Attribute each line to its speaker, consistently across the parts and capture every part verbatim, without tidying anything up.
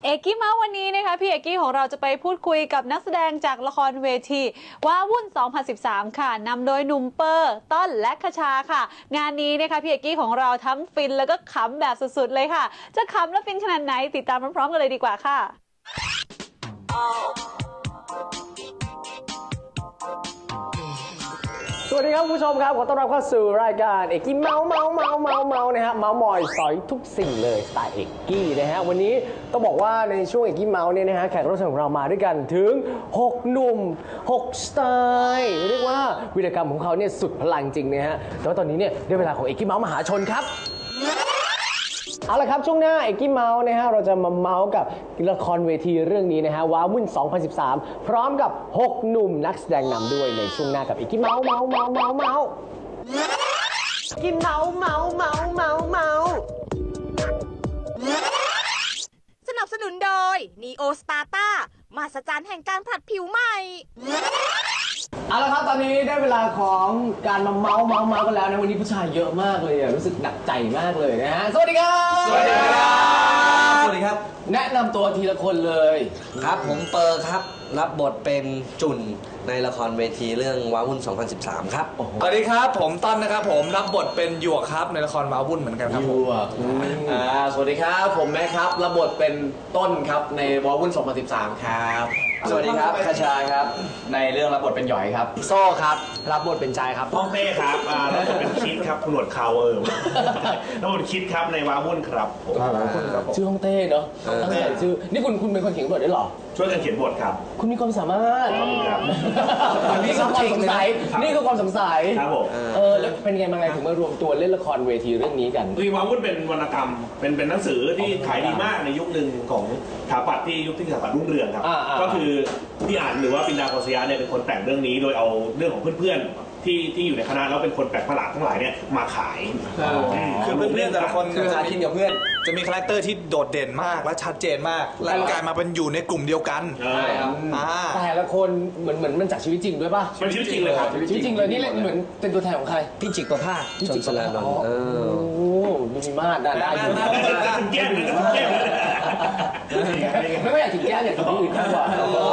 Speaker 1: เอกกี้เมาส์วันนี้นะคะพี่เอกกี้ของเราจะไปพูดคุยกับนักแสดงจากละครเวทีว้าวุ่นสองพันสิบสามค่ะนำโดยหนุ่มเปอร์ต้นและคชาค่ะงานนี้นะคะพี่เอกกี้ของเราทั้งฟินแล้วก็ขำแบบสุดๆเลยค่ะจะขำและฟินขนาดไหนติดตามพร้อมๆกันเลยดีกว่าค่ะ
Speaker 2: สวัสดีครับคุณผู้ชมครับขอต้อนรับเข้าสู่รายการเอกกี้เมาส์เมาส์เมาส์เมาส์เมาส์นะฮะเมาส์มอยสอยทุกสิ่งเลยสไตล์เอกกี้นะฮะวันนี้ต้องบอกว่าในช่วงเอกกี้เมาส์เนี่ยนะฮะแขกรับเชิญของเรามาด้วยกันถึงหกหนุ่มหกสไตล์เรียกว่าวีรกรรมของเขาเนี่ยสุดพลังจริงนะฮะแต่ว่าตอนนี้เนี่ยได้เวลาของเอกกี้เมาส์มหาชนครับเอาละครับช่วงหน้าเอกกี้เมาส์นะฮะเราจะมาเมาส์กับละครเวทีเรื่องนี้นะฮะว้าวุ่นสองพันสิบสามพร้อมกับหกหนุ่มนักแสดงนำด้วยในช่วงหน้ากับเอกกี้เมาส์เมาส์เมาส์เมาส์เมาส์กินเมาส์เมาส์เมาส์เมาส์เมาส์
Speaker 3: สนับสนุนโดย Neo Sparta มหัศจรรย์แห่งการผลัดผิวใหม่
Speaker 2: เอาละครับตอนนี้ได้เวลาของการมาเมาส์เมาส์เมาส์กันแล้วนะวันนี้ผู้ชายเยอะมากเลยรู้สึกหนักใจมากเลยนะฮะสวัสดีครับ
Speaker 4: สวัสดีครับสวัสดีครับ
Speaker 2: แนะนำตัวทีละคนเลย
Speaker 4: ครับผมเปอร์ครับรับบทเป็นจุนในละครเวทีเรื่องว้าวุ่นสองพันสิบสามครับ
Speaker 5: สวัสดีครับผมต้นนะครับผมรับบทเป็นหยวกครับในละครว้าวุ่นเหมือนกันครับผม
Speaker 6: อ่าสวัสดีครับผมแม่ครับรับบทเป็นต้นครับในว้าวุ่นสองพันสิบสามครับ
Speaker 7: สวัสดีครับคชาครับในเรื่องรับบทเป็นหยอยครับ
Speaker 2: โซ่ครับรับบทเป็นใจครับ
Speaker 8: พ่อเป้ครับรับบทเป็นคิดครับคุณหนวดเขาเออรับบทคิดครับในว้าวุ่นครับผม
Speaker 2: ชื่อฮ่องเต้เนาะตั้งแต่ชื่อนี่คุณคุณเป็นคนเขียนบทได้หรอ
Speaker 8: ช่วยกันเขียนบทครับ
Speaker 2: คุณมีความสามารถ
Speaker 8: ครับ
Speaker 2: นี่คือความสงสัยนี่คือความสงสัย
Speaker 8: ครับผม
Speaker 2: เออแล้วเป็นไงมาไงถึงมารวมตัวเล่นละครเวทีเรื่องนี้กัน
Speaker 8: ว้าวุ่นเป็นวรรณกรรมเป็นเป็นหนังสือที่ขายดีมากในยุคหนึ่งของสถาปัตย์ที่ยุคที่สถาปัตย์รุ่งเรืองครับก็คือพี่อ่านหรือว่าปินดาโกษยะเนี่ยเป็นคนแต่งเรื่องนี้โดยเอาเรื่องของเพื่อนๆที่ที่อยู่ในคณะแล้วเป็นคนแปลกประหลาดทั้งหลายเนี่ยมาขาย
Speaker 5: คือเพื่อนๆแต่ละคนจะหากินกับเพื่อนจะมีคาแรคเตอร์ที่โดดเด่นมากและชัดเจนมากและกลายมาเป็นอยู่ในกลุ่มเดียวกัน
Speaker 2: ใช่ครับแต่ละคนเหมือนเหมือนมันจากชีวิตจริงด้วยป่ะ
Speaker 8: เป็นชีวิตจริงเลยครับ
Speaker 2: ชีวิตจริงเลยนี่เหมือนเป็นตัวแทนของใคร
Speaker 4: พี่จิกประภาสชนสลานนท์
Speaker 2: โอ้ดูมีมาดได้ได้
Speaker 8: ถึงแก้มถึงแก้ม
Speaker 2: ไม่ไม่อยากถึงแก้มอยากถึงที่อื่นมากกว่า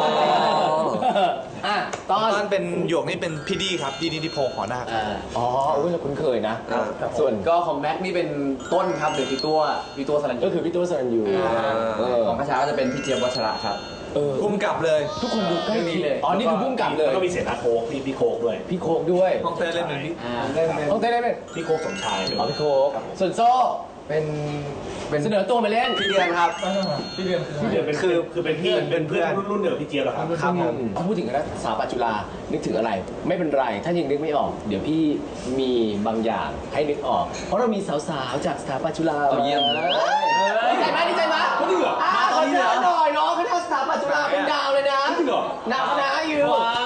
Speaker 2: อ่ะตอน
Speaker 5: ตอนเป็นหยวกนี่เป็นพี่ดีครับดีดีที่โพหอนาค
Speaker 2: อ๋ออุ้ยเราคุ้นเคยนะ
Speaker 6: ส่วนก็ของแม็กนี่เป็นต้นครับหรือพี่ตัวพี่ตัวสรัญยู
Speaker 2: ก็คือพี่ตัวสรัญยู
Speaker 7: ของคชาก็จะเป็นพี่เจี๊ยบวัชระครับ
Speaker 5: พุ่มกลับเลย
Speaker 2: ทุกคนดูใกล้นี้เลยอ๋อนี่คือพุ่มกลับเลย
Speaker 8: ก็มีเสียนาโคกพี่พี่โคกด้วย
Speaker 2: พี่โคกด้วย
Speaker 5: ห้องเต้เล่นเป็นพี่
Speaker 2: ห้องเต้เล่นเป็น
Speaker 8: พี่โคกสมชาย
Speaker 2: อ๋อพี่โคกส่วนโซ่เป็นเป็นเสนอตัวมาเล่น
Speaker 7: พี่เดือนครับ
Speaker 8: พี่เดือนพี่เดือนเป็นคือคือเป็นพี่เป็นเพื่อนรุ่นเดียวพี่เจี๊ยบเหรอครับ
Speaker 2: ครับถ้าพูดถึงคณะสถาปัตย์จุฬานึกถึงอะไรไม่เป็นไรถ้ายังนึกไม่ออกเดี๋ยวพี่มีบางอย่างให้นึกออกเพราะเรามีสาวๆจากสถาปัตย์จุฬา
Speaker 7: เยี่ยมเลย
Speaker 2: ดีใจไหมดีใจไหม
Speaker 8: เขาดีเหรอ
Speaker 2: มาขอเชิญหน่อยน้องคณะสถาปัตย์จุฬาเป็นดาวเลยนะ
Speaker 8: จริงเหรอ
Speaker 2: หนักคณะอยู่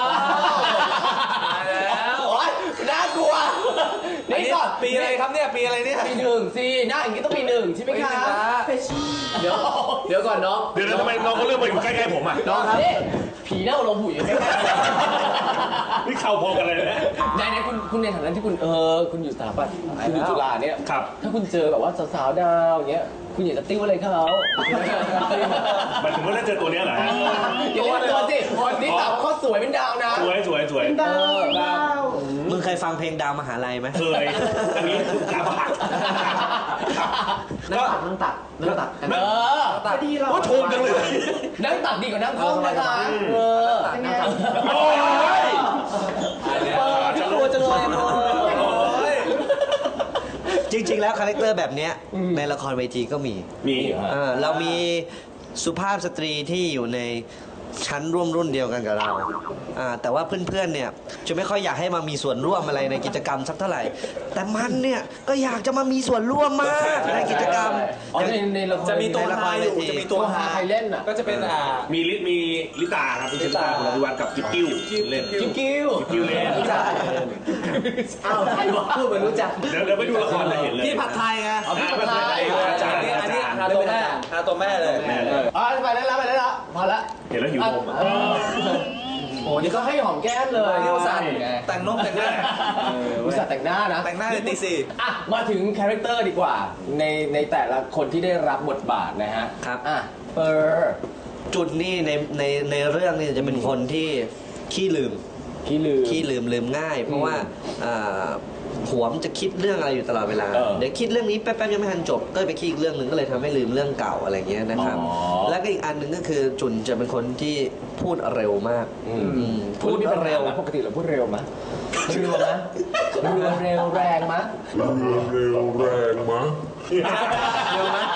Speaker 2: น่ากลัว
Speaker 5: นี่ก่อนปีอะไรครับเนี่ยปีอะไรเนี่ย
Speaker 2: ปีหนึ่งสิหน้าอย่างนี้ต้องปีหนึ่งใช่ไหมคะ
Speaker 6: เดี๋ยวเดี๋ยวก่อนน้อง
Speaker 8: เดี๋ยวทำไมน้องเขาเลือกมาอยู่ใกล้ๆผมอ่ะ
Speaker 2: น้องครับผีเน่าลงหูอยู่ใกล้
Speaker 8: ๆนี่เข่าพอกันเลยนะ
Speaker 2: ในในคุณคุณในฐานะที่คุณเออคุณอยู่สถาปัตย์คุณอยู่จุฬาเนี่ย
Speaker 8: ครับ
Speaker 2: ถ้าคุณเจอแบบว่าสาวๆดาวอย่างเงี้ยคุณอยากจะติ้วอะไรเขา
Speaker 8: หมายถึงว่าถ้าเจอตัวนี้เหรอ
Speaker 2: อย่าเรียกตัวสิคนที่สาวเขาสวยเป็นดาวนะ
Speaker 8: สวยสวยสวย
Speaker 2: ดาวดาว
Speaker 4: มึงเคยฟังเพลงดาวมหาลัยไหม
Speaker 8: เคยอันนี้คือดาวมหา
Speaker 6: นั่งตักนั่งตักนั่งตัก
Speaker 2: เออ
Speaker 8: ตักก็ชมจังเลย
Speaker 2: นั่งตักดีกว่านั่งท้องนะคะเออนั่งตัก
Speaker 8: โอ้ย
Speaker 2: จะรัวจังเลย
Speaker 4: จริงๆแล้วคาแรคเตอร์แบบนี้ในละครเวทีก็มี
Speaker 8: มี
Speaker 4: เรามีสุภาพสตรีที่อยู่ในชั้นร่วมรุ่นเดียวกันกับเราแต่ว่าเพื่อนๆเนี่ยจะไม่ค่อยอยากให้มามีส่วนร่วมอะไรในกิจกรรมสักเท่าไหร่แต่มันเนี่ยก็อยากจะมามีส่วนร่วมมากในกิจกรรม
Speaker 5: จะมีตัวฮาอยู่จะมีตัวฮา
Speaker 2: ใครเล่นอ่ะ
Speaker 5: ก็จะเป็นอ่า
Speaker 8: มีลิมีลิตาครับพี่ลิตาคุณอภิวัตกับกิ๊บกิ้วเล่น
Speaker 2: กิ๊บกิ้ว
Speaker 8: กิ๊บกิ้วเล่น
Speaker 2: รู้จักอ้าวใครบอกพูดเหมือนรู้จัก
Speaker 8: เดี๋ยวเดี๋ยวไปดูละครจะเห็นเลย
Speaker 5: พี่ผัดไทยไง
Speaker 2: พี่ผัดไทย
Speaker 5: อันนี้ฮาตัวแม่ฮาตัวแม่เลย
Speaker 2: อ๋อไปแล้วไปแล้วพอละ
Speaker 8: เห็นแล้วหิวผม
Speaker 2: โอ้นี่ก็ให้หอมแก้มเลย
Speaker 5: นี่อุตส่าห์แต่งน้องแต่งหน้า
Speaker 2: อุตส่าห์แต่งหน้านะ
Speaker 5: แต่งหน้าในตีสี่
Speaker 2: อ่ะมาถึงคาแรคเตอร์ดีกว่าในในแต่ละคนที่ได้รับบทบาทนะฮะ
Speaker 4: ครับ
Speaker 2: อ่ะเปอร์
Speaker 4: จุดนี่ในในในเรื่องนี่จะเป็นคนที่ขี้ลืม
Speaker 2: ขี้ลืม
Speaker 4: ขี้ลืมลืมง่าย เพราะว่าอ่าหัวมันจะคิดเรื่องอะไรอยู่ตลอดเวลา
Speaker 2: เออ
Speaker 4: เดี๋ยวคิดเรื่องนี้แป๊บๆยังไม่ทันจบก็ไปคิดอีกเรื่องหนึ่งก็เลยทำให้ลืมเรื่องเก่าอะไรเงี้ยนะครับ
Speaker 2: อ๋อ
Speaker 4: แล้วก็อีกอันหนึ่งก็คือจุนจะเป็นคนที่พูดเร็วมาก
Speaker 2: อืม
Speaker 4: อืม
Speaker 2: พูดนี่เป็นเร็วปกติเราพูดเร็วไหมเร็วไหมเร็วเร็วแรงไหมเร็วแรงไหมเร็วไหม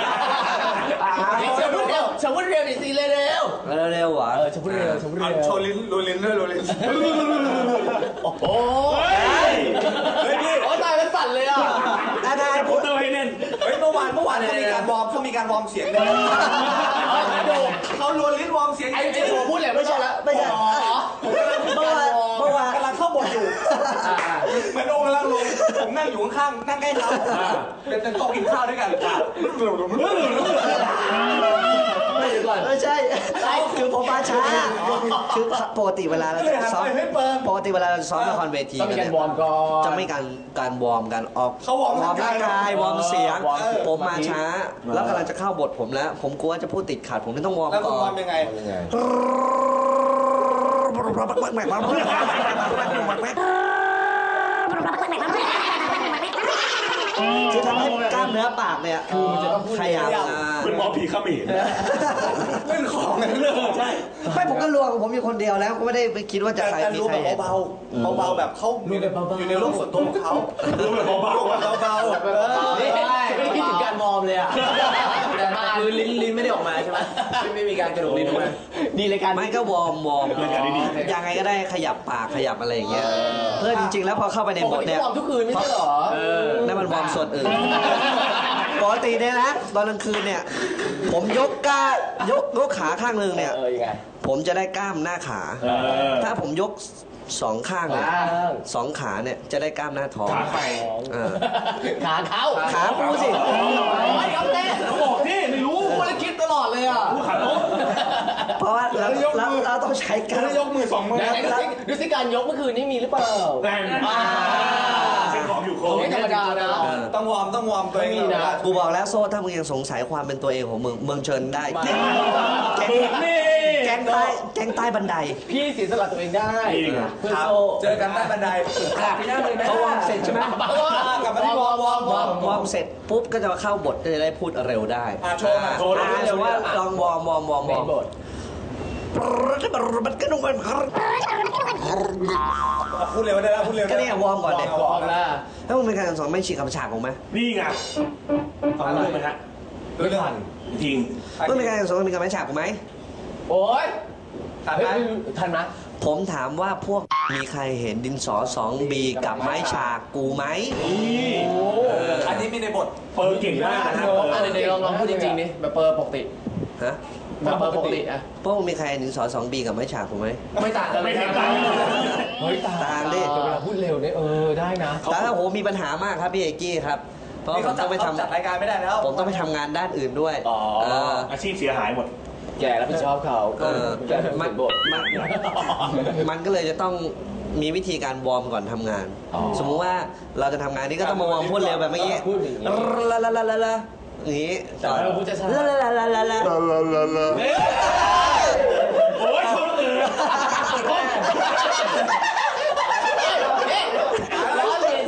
Speaker 2: ฉันพูดเร็วฉันพูดเร็วดิสิเร็ว
Speaker 4: เร็วๆหวะ
Speaker 2: เออฉันพูดเร็วฉันพูดเร็ว
Speaker 5: โชว์ลิ้นโรยลิ้นด้วยโรยลิ้น
Speaker 2: โอ้โห
Speaker 5: เฮ้ยพี่
Speaker 2: โอ้ตายแล้วสั่นเลยอ่ะ
Speaker 4: ได้ได้
Speaker 8: โปสเตอร์ให้เล่น
Speaker 5: เฮ้ยเมื่อวานเมื่อวานเขามีการวอร์มเขามีการวอร์มเสียงเลยเขาโรยลิ้นวอร์มเสียง
Speaker 2: ไอ้เจ๊หัวพูดเลยไม่ใช่ละ
Speaker 4: ไม่ใช่
Speaker 2: อ๋อ
Speaker 4: เมื่อวานเมื่อวาน
Speaker 5: กำลังเข้าบทอยู่เหมือนโองกำลังลงผมนั่งอยู่ข้างๆนั่งใกล้เขาเป็นเป็นโต๊ะกินข้าวด้วยกัน
Speaker 2: ไม่เดี๋ยวก่อน
Speaker 4: ไม่ใช่คือผมมาช้าคือปกติเวลาเราจะซ้อมปกติเวลาเราซ้อมละครเวที
Speaker 2: ต้องมี
Speaker 4: กัน
Speaker 2: การ
Speaker 4: เนี่ยว
Speaker 2: อร์มก่อน
Speaker 4: จะไม่การการวอร์มกันออก
Speaker 5: เขาวอร์ม
Speaker 4: วอร์มร่างกายวอร์มเสียง
Speaker 2: วอร์มเสียง
Speaker 4: ผมมาช้า แล้วกำลังจะเข้าบทผมแล้ว ผมกลัวจะพูดติดขัดผมไม่ต้องวอร์ม
Speaker 5: แล้วคุ
Speaker 4: ก่
Speaker 5: ณ
Speaker 4: อ
Speaker 5: วอน ร์มยังไง
Speaker 2: ยังไง
Speaker 4: คือทำให้กล้ามเนื้อปากเนี่ย
Speaker 2: คือมันจะต้องพูด
Speaker 4: ขยับ
Speaker 2: เร็ว
Speaker 4: อ่า
Speaker 8: เป็นหมอผีเขมร
Speaker 5: เล่นของกันเรื่องใช่
Speaker 4: ไม่ผมก็ลวงผมอยู่คนเดียวแล้วก็ไม่ได้ไปคิดว่าจะ
Speaker 5: แต่
Speaker 4: ใคร
Speaker 5: แต่
Speaker 4: มี
Speaker 5: รู้
Speaker 4: ใคร
Speaker 5: แบบเบาๆเบาๆแบบเขาอยู่ในอยู่ในโลกส่วนตัวของเขา
Speaker 8: รู้แบบเบา
Speaker 5: รู้แบบเบาๆ
Speaker 2: นี่ไม่ได้คิดถึงการวอร์มเลยอ่ะแต่มาคือลิ้นลิ้นไม่ได้ออกมาใช่ไหมไม่มีการกระดูกลิ้นออกมาดีเลยการ
Speaker 4: ไม่ก็วอร์มวอร์มยังไงก็ได้ขยับปากขยับอะไรอย่างเงี้ยเพื่อจริงๆแล้วพอเข้าไปใน
Speaker 2: ป
Speaker 4: บ
Speaker 2: ก
Speaker 4: ท
Speaker 2: ติ
Speaker 4: เนี่ย
Speaker 2: วอร์มทุกคืนไม่ใช่เหรอ
Speaker 4: นั่นมันวอร์มส่วนอื่นปกติเนี่ยนะตอนกลางคืนเนี่ย ผมยกก้ายกยกขาข้างหนึ่งเนี่ย
Speaker 2: เออยังไง
Speaker 4: ผมจะได้กล้ามหน้าขา
Speaker 8: เออ
Speaker 4: ถ้าผมยกสองข้างเนี่ย
Speaker 2: ข้าง
Speaker 4: สองขาเนี่ยจะได้กล้ามหน้าท้อง
Speaker 8: ขาใคร
Speaker 4: เออ
Speaker 2: ขาเขา
Speaker 4: ขากูสิ
Speaker 2: โอ้ยครับเต้
Speaker 8: บอกที่ไม่รู้
Speaker 2: พูดแล้วคิดตลอดเลยอ่ะ
Speaker 8: ผู้ขาโต๊ะ
Speaker 4: เพราะว่าเราเราเราต้องใช้กล้าม
Speaker 5: ยกมือสองมือ
Speaker 2: ไหนๆดูสิดูสิการยกเมื่อคืนนี้มีหรือเปล่า
Speaker 8: แรงเช็คของอยู่โค้
Speaker 2: ไม่ธรรมดานะ
Speaker 5: ต้องวอร์มต้องวอร์มตัวเอง
Speaker 2: ไม่มีนะ
Speaker 4: กูบอกแล้วโซ่ถ้ามึงยังสงสัยความเป็นตัวเองของมึงมึงเชิญได้แก๊ง
Speaker 8: นี่
Speaker 4: แก๊งใต้แก๊งใต้บันได
Speaker 2: พี่เสียสละตัวเองได้
Speaker 8: จริง
Speaker 2: เพื่อ
Speaker 5: ครับ
Speaker 2: โซ่
Speaker 5: เจอกันใต้บันไดพี่นั่งเลยไหม
Speaker 4: เขาวอร์มเสร็จใช่ไหม
Speaker 5: กลับมาที่วอร์มวอร์มวอร์ม
Speaker 4: วอร์มเสร็จปุ๊บก็จะมาเข้าบทก็จะได้พูดเร็วได้
Speaker 5: อ่ะโชว์มา
Speaker 8: โชว์
Speaker 4: อ่าสมมติว่าลองวอร์มวอร์มวอร์มวอร์ม
Speaker 2: บท
Speaker 4: มันก็ต้องมัน
Speaker 5: พูดเร็วได้แล้วพูดเร็ว
Speaker 4: ก็เนี่ยวอร์มก่อนเนี่ยว
Speaker 2: อร์มแล้ว
Speaker 4: ถ้ามึงเป็นการสอนไม่ฉีกคำฉากของไหม
Speaker 8: นี่ไงฟังเรื่องไหมฮะ
Speaker 5: เรื่อง
Speaker 8: จริง
Speaker 4: มึงเป็นการสอนมีคำฉากของไหม
Speaker 2: โอ้ย
Speaker 5: ทันไหม
Speaker 2: ทันไหม
Speaker 4: ผมถามว่าพวกมีใครเห็นดินสอสองบีกับไม้ฉากกูไหม
Speaker 8: นี่
Speaker 5: อันนี้มีในบท
Speaker 8: เปิร์เก่งมากนะฮะ
Speaker 2: อ่ะเดี๋ยวลองลองพูดจริงๆนี่แบบเปอร์ปกติ
Speaker 4: ฮะ
Speaker 2: แบบเปอร์ปกติอ่ะ
Speaker 4: พวกมึงมีใครเห็นดินสอสองบีกับไม้ฉากกูไหม
Speaker 2: ไม่ต่างกันเลย
Speaker 8: ไม่เห็น
Speaker 2: นะ
Speaker 8: ต่างกันเลย
Speaker 2: เฮ้ยต่าง
Speaker 4: ต่างดิ
Speaker 2: แต่เวลาพูดเร็วเนี่ยเออได้นะ
Speaker 4: แต่ถ้าโหมีปัญหามากครับพี่เอกกี้ครับ เพราะ
Speaker 5: นี่
Speaker 4: ผ
Speaker 5: เขา
Speaker 4: ม
Speaker 5: จั
Speaker 4: ต้
Speaker 5: ด
Speaker 4: องไปท
Speaker 5: จัดรายการไม่ได้แล้ว
Speaker 4: ำผมต้องไปทำงานด้านอื่นด้วย
Speaker 2: อ๋อ
Speaker 4: เออ
Speaker 8: อาชีพเสียหายหมด
Speaker 2: แกรับผิดชอบเขา
Speaker 4: เออ
Speaker 2: แกเป็น
Speaker 4: มัน
Speaker 2: บท
Speaker 4: มันมันก็เลยจะต้องมีวิธีการวอร์มก่อนทำงาน
Speaker 2: อ๋อ
Speaker 4: สมมุติว่าเราจะทำงานนี้ก็ต้องมาวอร์มพูดเร็วแบบเมื่อกี้
Speaker 2: พูดอย่างนี้
Speaker 4: ละละละละละอย่างนี้
Speaker 2: แต่เราพูดช้า
Speaker 4: ละละละละละละ
Speaker 8: โอ้ยชนเลย
Speaker 2: ล้อเล่น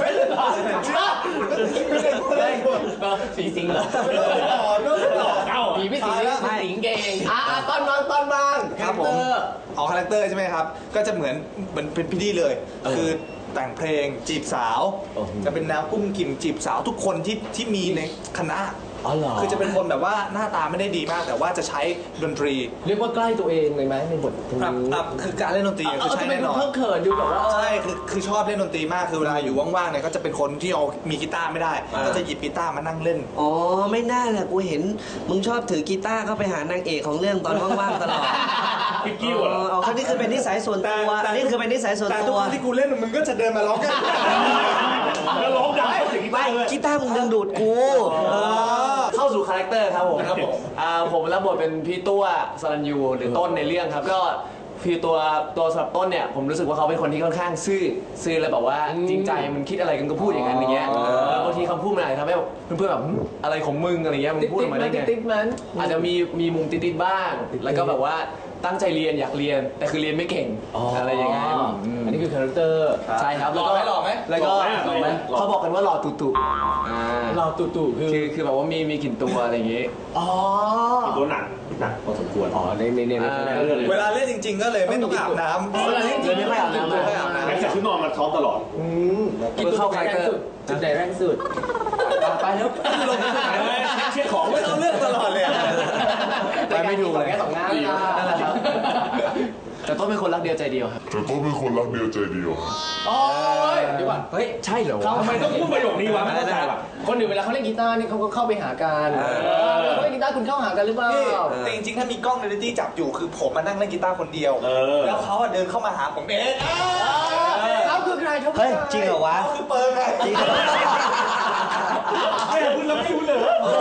Speaker 2: สีสิงเหรอ
Speaker 8: เอ้า
Speaker 2: ผีพี่สิงพี่สิงเก่งอ่ะตอนบางตอนบาง
Speaker 5: ครับผมออกคาแรคเตอร์ใช่ไหมครับ ก็จะเหมือนเหมือนเป็นพี่ดีเลย คือแต่งเพลงจีบสาว จะเป็นแนวกุ้งกิ่มจีบสาวทุกคนที่ที่มีในคณะ
Speaker 2: อ๋อเหรอ
Speaker 5: คือจะเป็นคนแบบว่าหน้าตาไม่ได้ดีมาก แต่ว่าจะใช้ดนตรี
Speaker 2: เรียกว่าใกล้ตัวเองเลยไหมในบทตรง
Speaker 5: ครับ
Speaker 2: นี้
Speaker 5: ครับคือการเล่นดนตรีคือ
Speaker 2: เอา
Speaker 5: ใช้
Speaker 2: จะเป็น
Speaker 5: แน่นอน
Speaker 2: เพิ่งเขินดูแบบว่า
Speaker 5: ใช่คือคือชอบเล่นดนตรีมากคือเวลาอยู่ว่างๆเนี่ยก็จะเป็นคนที่เอามีกีตาร์ไม่ได้ ก็จะหยิบกีตาร์มานั่งเล่น
Speaker 4: อ๋อไม่น่าแหละกูเห็นมึงชอบถือกีตาร์เข้าไปหานางเอกของเรื่องตอนว่างๆตลอด
Speaker 8: พี่กิ้ว
Speaker 4: อ๋
Speaker 8: เหรอ
Speaker 4: อเอาเขานี่คือเป็นนิสัยส่วนตัวนี่คือเป็นนิสัยส่วน
Speaker 5: แต่ทุ
Speaker 4: ตั
Speaker 5: ก
Speaker 4: ว
Speaker 5: ครั้งที่กูเล่นมึงก็จะเดินมาร้องกัน
Speaker 8: แล้วร้องดังเข้าถึงกี
Speaker 4: ไม่
Speaker 8: ตาร์เลย
Speaker 4: กีตาร์มึงดึงดูดกูเออ
Speaker 2: เข้าสู่คาแรคเตอร์ครับผม
Speaker 8: ครับผม
Speaker 2: อ่าผมรับบทเป็นพี่ตัวสรัญยูหรือต้นในเรื่องครับ ก็
Speaker 6: ฟีลตัวตัวสำหรับต้นเนี่ยผมรู้สึกว่าเขาเป็นคนที่ค่อนข้างซื่อซื่อแล้วแบบว่าจริงใจมันคิดอะไรกันก็พูดอย่างนั้นอย่างเงี้ยแล้วบางทีคำพูดมันอาจจะทำให้แบบเพื่อนๆแบบหึอะไรของมึงอะไรเงี้ยมึงพูดออกมาได้ไงติ๊ดมันอาจจะมีมีมุมติ๊ดๆบ้าง แล้วก็แบบว่าตั้งใจเรียนอยากเรียนแต่คือเรียนไม่เก่งอะไรอย่างเงี้ยอันนี้คือคาแรคเตอร์ใช่ครับ
Speaker 5: หล่อไหมหล่อไหม
Speaker 6: แล้วก็
Speaker 8: หล่อไหม
Speaker 6: เขาบอกกันว่าหล่อตุตุ
Speaker 2: เราตู่ตู่คือ
Speaker 6: คือคือแบบว่ามีมีกลิ่นตัวอะไรอย่างงี้
Speaker 2: อ๋อ
Speaker 8: ตัวหนักหนักพอสมควร
Speaker 2: อ๋อในในในในเรื่อง
Speaker 5: เวลาเล่นจริง ๆ ก็เลยไม่ต้องอาบน้ำ
Speaker 6: เวลาเล่นจริงไม่ค่อยอาบน้ำ
Speaker 5: ไม่ค่อยอาบน้ำ
Speaker 8: แม็กซ์จากชุดนอนมาซ้อมตลอด
Speaker 6: กินเข้าคาแรคเตอร์
Speaker 2: จุดไหนแรงสุดไปแล้ว
Speaker 8: เช็คของ
Speaker 5: ไม่ต้องเลือกตลอดเลยอะ
Speaker 6: ไปไม่ถูกเลย
Speaker 2: แค่สองหน้า
Speaker 6: นั่นแหละครับแต่ต้นเป็นคนรักเดียวใจเดียวครับ
Speaker 9: แต่ต้องเป็นคนรักเดียวใจเดียว
Speaker 2: โอ้ยเดี๋ยวก่อน
Speaker 6: เฮ้ยใช่เหรอ
Speaker 8: ทำไมต้องพูดประโยคนี้วะไม่เข้าใจว่ะ
Speaker 2: คนอื่นเวลาเขาเล่นกีตาร์นี่เขาก็เข้าไปหากันเขาเล่นกีตาร์คุณเข้าหากันหรือเปล่า
Speaker 5: แต่จริงๆ ถ้ามีกล้องเรลิตี้จับอยู่คือผมมานั่งเล่นกีตาร์คนเดียว
Speaker 8: เออ
Speaker 5: แล้วเขาอะเดินเข้ามาหาผมเอง
Speaker 2: เขาคือใครเขาคือ
Speaker 4: เฮ้ย
Speaker 2: ใค
Speaker 4: จริงเหรอวะ
Speaker 5: เขาคือเปิร์ไง
Speaker 4: จริงเหรอ
Speaker 8: ไม่คุณแล้วไม่รู้เลย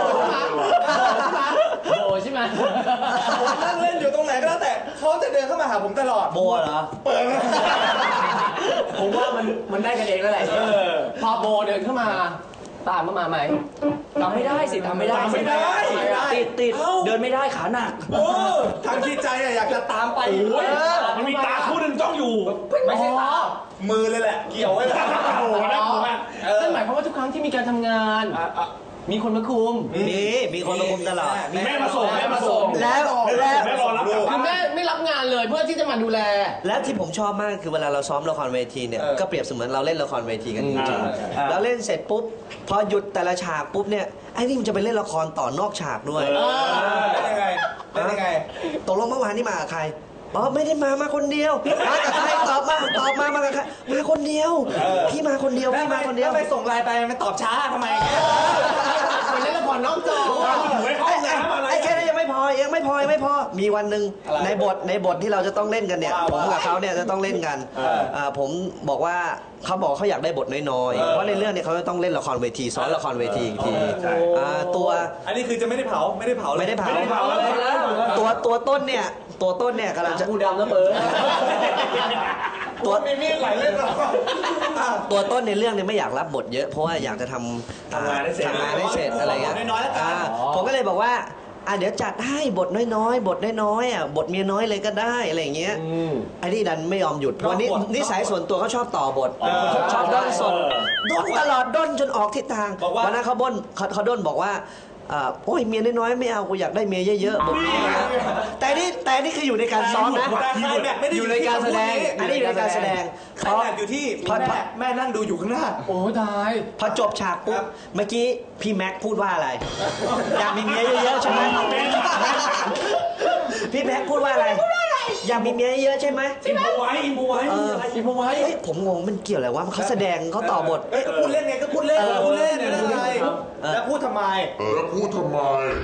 Speaker 2: โบใช่ไหม
Speaker 5: ผมนั่งเล่นอยู่ตรงไหนก็แล้วแต่เขาจะเดินเข้ามาหาผมตลอด
Speaker 4: โบเหรอ
Speaker 5: เปิร์
Speaker 2: ผมว่ามันมันได้กันเองแล้วแหละพอโบเดินเข้ามาตามมาไหม
Speaker 7: ทำไม่ได้สิทำไม่ได้
Speaker 5: ไม่ได้ไม่ได้
Speaker 7: ติดติด
Speaker 5: เอ้า
Speaker 7: เดินไม่ได้ขาหนัก
Speaker 5: โอ้ทางที่ใจอะอยากจะตามไป
Speaker 8: โอ้ยมันมีตาคู่หนึ่งจ้องอยู่
Speaker 5: ไม่ใช่ตามือเลยแหละ เกี่ยวไว้เลย
Speaker 8: โอ้โหน่ากลัวมาก
Speaker 2: นั่นหมายความว่าทุกครั้งที่มีการทำงาน มีคนมาคุม
Speaker 4: มีมีคนมาคุมตลอด
Speaker 8: มีแม่มาส่งแม่มาส่ง
Speaker 4: แล้วแล้ว
Speaker 8: แม่รอรับกลับ
Speaker 2: คือ
Speaker 8: บ้าน
Speaker 2: แม่ไม่รับงานเลยเพื่อที่จะมาดูแล
Speaker 4: แล้วที่ผมชอบมากคือเวลาเราซ้อมละครเวทีเนี่ยก็เปรียบเสมือนเราเล่นละครเวทีกันจริงๆแล้วเล่นเสร็จปุ๊บพอหยุดแต่ละฉากปุ๊บเนี่ยไอ้นี่มันจะไปเล่นละครต่อนอกฉากด้วย
Speaker 5: เป็นยังไงเป็นยังไง
Speaker 4: ตกลงเมื่อวานนี่มากับใครอ๋อไม่ได้มามาคนเดียวมากับใครตอบมาตอบมามากับใครมาคนเดียวพี่มาคนเดียวพี่มาคนเดียว
Speaker 5: แล้วไปส่งไลน์ไปมันตอบช้าทำไมอย่างเงี้ย
Speaker 2: คนเล่นละครนอกจอ
Speaker 8: อยู่ในห้องน้ำอะไร
Speaker 4: ไอ้แค่นั้นยังไม่พอยังไม่พอยังไม่พอมีวันหนึ่งในบทในบทที่เราจะต้องเล่นกันเนี่ยผมกับเขาเนี่ยจะต้องเล่นกันอ่าผมบอกว่าเขาบอกเขาอยากได้บทน้อยๆเพราะในเรื่องเนี่ยเขาจะต้องเล่นละครเวทีซ้อนละครเวทีอีกทีอ่าตัว
Speaker 5: อันนี้คือจะไม่ได้เผาไม่ได้เผาเลย
Speaker 4: ไม่ได้เผา
Speaker 8: ไม่ได้เผาเลยนะ
Speaker 4: ตัวตัวต้นเนี่ยตัวต้นเนี่ยกำลังจะ
Speaker 2: กูดำนะเบิร์ด
Speaker 4: ตัว
Speaker 5: มีมีดไหลเล่นหรอ
Speaker 4: ตัวต้นในเรื่องเนี่ยไม่อยากรับบทเยอะเพราะว่าอยากจะทำ
Speaker 8: ทำงานให้เสร็จ
Speaker 4: ทำงานให้เสร็จอะไรเงี้ย
Speaker 5: น้อยๆแล้วกัน
Speaker 4: อ่าผมก็เลยบอกว่าอ่ะเดี๋ยวจัดให้บทน้อยๆ บทน้อยๆอ่ะบทเมียน้อยเลยก็ได้อะไรอย่างเงี้ยไอ้นี่ดันไม่ยอมหยุดวันนี้นิสัยส่วนตัวเขาชอบต่อบทชอบด้นสดด้นตลอดด้นจนออกทิศทางวันนั้นเขาบ่นเขาเขาด้นบอกว่าอ่าโอ้ยเมียน้อยๆไม่เอากูอยากได้เมียเยอะๆบทนี้นะแต่นี่แต่นี่คืออยู่ในการซ้อมนะ
Speaker 5: แต่ไคลแม็กซ์ไม่ได้
Speaker 4: อยู่ในการแสดงอันนี้อยู่ในการแสดง
Speaker 5: ไคลแม็กซ์อยู่ที่
Speaker 4: พอ
Speaker 5: แม่แม่นั่งดูอยู่ข้างหน้า
Speaker 2: โอ้ตาย
Speaker 4: พอจบฉากปุ๊บเมื่อกี้พี่แม็กพูดว่าอะไร อยากมีเมียเยอะๆใช่ไหมพี่แม็กพูดว่าอะไร อยากมีเมียเยอะๆใช่ไหม
Speaker 8: อิมโพไว้อิมโพไว้
Speaker 4: เอออีพวกไว้เฮ้ยผมงงมันเกี่ยวอะไรวะเขาแสดงเขาต่อบท
Speaker 5: เอ้ยก็พูดเล่นไงก็พูดเล่นก็พูดเล่นไม่ได้อะไรแล้วพูดทำไม
Speaker 9: แล้วพูดทำไม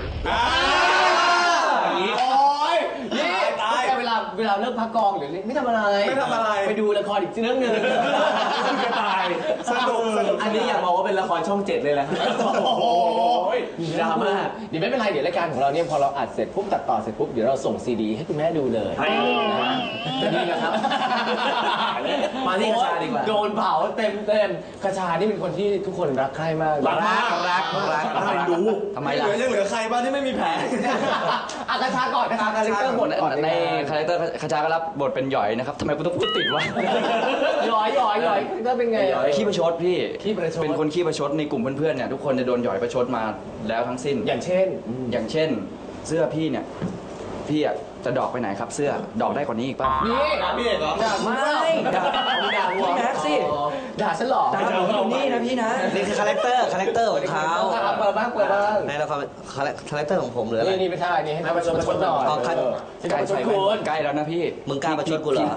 Speaker 2: โอ้ยนี่แต่เวลาเวลาเลิกพักกองหรือไม่ทำอะไร
Speaker 5: ไม่ทำอะไร
Speaker 2: ไปดูละครอีกเรื่องหนึ่ง
Speaker 8: จะตาย
Speaker 5: สนุกสนุก
Speaker 6: อันนี้อยากมองว่าเป็นละครช่องเจ็ดเลยแหละ
Speaker 2: โอ้โหดราม่าเดี๋ยวไม่เป็นไรเดี๋ยวรายการของเราเนี่ยพอเราอัดเสร็จปุ๊บตัดต่อเสร็จปุ๊บเดี๋ยวเราส่งซีดีให้คุณแม่ดูเลยนะนี่นะครับ
Speaker 6: มาที่กระชาดีกว่า
Speaker 2: โดนเผาเต็มเต็มกระชานี่เป็นคนที่ทุกคนรักใคร่มาก
Speaker 8: รักมากรักรักรักดู
Speaker 7: ทำไม
Speaker 5: เห
Speaker 7: ล่ะ
Speaker 5: ลือยังเหลือใครบ้างที่ไม่มีแผล
Speaker 2: อ่ะกระชาก่อนกระชาคาแรคเตอร์บทก่อน
Speaker 7: ในคาแรคเตอร์คาชาก็รับบทเป็นหยอยนะครับทำไมกูต้องพูดติดวะ
Speaker 2: หยอยหยอยหยอยก็เป็นไง
Speaker 7: ขี้ประชดพี่
Speaker 2: ขี้ประชด
Speaker 7: เป็นคนขี้ประชดในกลุ่มเพื่อนๆเนี่ยทุกคนจะโดนหยอยประชดมาแล้วทั้งสิ้น
Speaker 2: อย่างเช่น
Speaker 7: อย่างเช่น เสื้อพี่เนี่ยพี่อ่ะจะดอกไปไหนครับเสื้อดอกได้กว่านี้อีกป่ะ
Speaker 2: นี่
Speaker 5: พี่เอกเหรอ
Speaker 2: ด่าไม่ด่าด่าหัว
Speaker 7: พี่แม็กซ์สิ
Speaker 2: ด่าฉันหรอ
Speaker 7: ตามผมอยู่นี่นะพี่นะ
Speaker 4: นี่คือคาแรคเตอร์คาแรคเตอร์ของเขา
Speaker 2: เปิดบ้างเปิดบ้าง
Speaker 4: ในละครคาแรคาแรคเตอร์ของผมหรืออะไร
Speaker 2: นี่นี่ไม่ใช่นี่ให้มาประชดประชดหน่อย
Speaker 4: อ๋อครับ
Speaker 2: ที่
Speaker 7: ใกล้
Speaker 2: ประชด
Speaker 7: ใส่
Speaker 2: คุณ
Speaker 7: ใกล้แล้วนะพี่
Speaker 4: มึงกล้าประชดกูเหรอ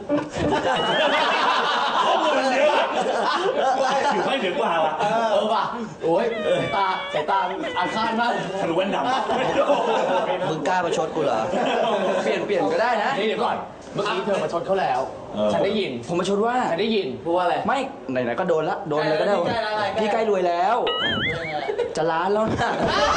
Speaker 8: ข้อมูลมันเยอะถือไม่ถึงกว่าว่ะ
Speaker 2: เออว่ะโอ้ยสายตาสายตาอาฆาตมาก
Speaker 8: ทะลุแว่นดำ
Speaker 4: มึงกล้าประชดกูเหรอ
Speaker 7: เปลี่ยนเปลี่ยนก็ได้นะ
Speaker 2: นี่เดี๋ยวก่อนเมื่อกี้เธอประชดเขาแล้ว ฉันได้ยิน
Speaker 7: ผมมาชดว่า
Speaker 2: ฉันได้ยินพูดว่าอะไร
Speaker 7: ไม่ไหนๆก็โดนละโดนเลยก็ได้
Speaker 2: พี่ใกล้แล้ว
Speaker 7: พี่ใกล้รวยแล้ว จะล้านแล้วนะ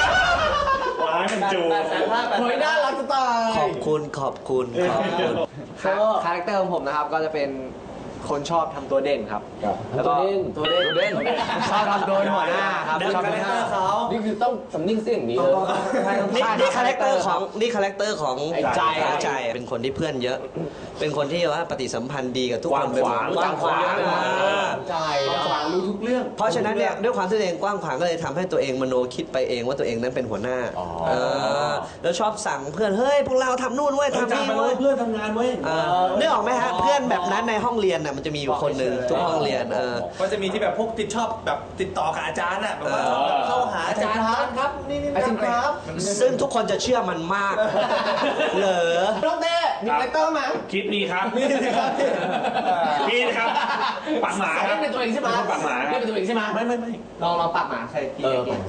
Speaker 8: ว้ายมันจู
Speaker 2: เฮ้ยน่ารักจะตาย
Speaker 4: ขอบคุณขอบคุณขอบคุณ
Speaker 2: คาแรคเตอร์ของผมนะครับก็จะเป็นคนชอบทำตัวเด่นครับ แล้วก็
Speaker 6: ตัวเด่นตัวเด่น
Speaker 2: ชอบทำตัวเป็นหัวหน้าครับชอบเป็นหัวหน้านี่คือต้องสำนิ่งเสียงอย่างนี้เลย
Speaker 4: นี่นี่คาแรคเตอร์ของนี่คาแรคเตอร์ของ
Speaker 2: ไอ้ใจ
Speaker 4: ของใจเป็นคนที่เพื่อนเยอะ เป็นคนที่ว่าปฏิสัมพันธ์ดีกับทุกคนไปหมด
Speaker 6: กว้างขวาง
Speaker 4: กว้างขวาง
Speaker 2: ใจ
Speaker 6: ขวางรู้ทุกเรื่อง
Speaker 4: เพราะฉะนั้นเนี่ยด้วยความที่ตัวเองกว้างขวางก็เลยทำให้ตัวเองมโนคิดไปเองว่าตัวเองนั้นเป็นหัวหน้าเออแล้วชอบสั่งเพื่อนเฮ้ยพวกเราทำนู่นเว้ยทำนี่เว้ย
Speaker 8: เพื่อนทำงานเว้ย
Speaker 4: เออนึกออกไหมฮะเพื่อนแบบนั้นในห้องเรียนน่ะมันจะมีอยู่คนหนึ่งทุกห้องเรียนเออ
Speaker 5: ก็จะมีที่แบบพวกติดชอบแบบติดต่อกับอาจารย์อ่ะแบบว่าชอบแบบเข้าหาอาจารย์ครับนี่นี่ครับ
Speaker 4: ซึ่งทุกคนจะเชื่อมันมาก เหรอ
Speaker 2: น้องเต้มีคาแรคเตอร์ไหม
Speaker 8: คิดมีครับมีครับมีครับปากหมาครับ
Speaker 6: เล่นเป็นตัวเองใช่ไหม
Speaker 8: ปากหมาค
Speaker 6: เล่
Speaker 8: รั
Speaker 6: น
Speaker 8: บ
Speaker 6: เป็นตัวเองใช่ไหมไม่ไม่ไม่
Speaker 2: ลองลองปากหมาใส่พี่เก่ง